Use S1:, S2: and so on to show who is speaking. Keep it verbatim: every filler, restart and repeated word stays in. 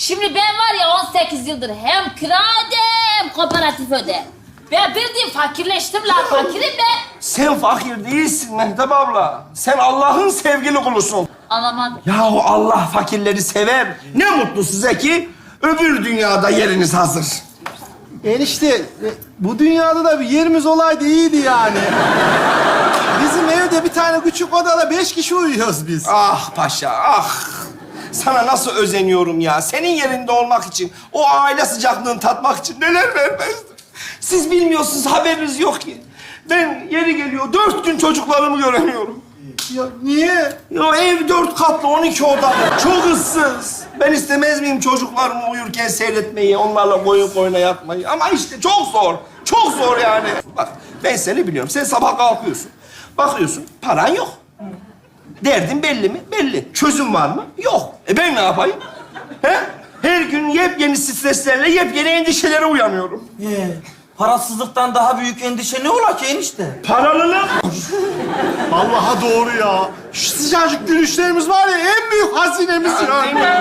S1: Şimdi ben var ya on sekiz yıldır hem kira öde hem kooperatif öde. Ben bildiğin fakirleştim lan, fakirim ben.
S2: Sen fakir değilsin Mehtap abla. Sen Allah'ın sevgili kulusun.
S1: Anlamadım.
S2: Yahu Allah fakirleri sever. Ne mutlu size ki öbür dünyada yeriniz hazır.
S3: Enişte, e, bu dünyada da bir yerimiz olaydı iyiydi yani. Bizim evde bir tane küçük odada beş kişi uyuyoruz biz.
S2: Ah paşa, ah. Sana nasıl özeniyorum ya. Senin yerinde olmak için, o aile sıcaklığını tatmak için neler vermezdim. Siz bilmiyorsunuz, haberiniz yok ki. Ben yeri geliyor, dört gün çocuklarımı göremiyorum.
S3: Ya niye?
S2: Ya ev dört katlı, on iki odalı. Çok ıssız. Ben istemez miyim çocuklarımı uyurken seyretmeyi, onlarla boyun boyuna yatmayı? Ama işte çok zor. Çok zor yani. Bak ben seni biliyorum. Sen sabah kalkıyorsun. Bakıyorsun paran yok. Derdin belli mi? Belli. Çözüm var mı? Yok. E ben ne yapayım? He? Her gün yepyeni streslerle, yepyeni endişelere uyanıyorum.
S4: Ee, parasızlıktan daha büyük endişe ne ola ki enişte?
S2: Paralılık.
S3: Vallahi doğru ya. Şu sıcacık gülüşlerimiz var ya en büyük hazinemiz ya.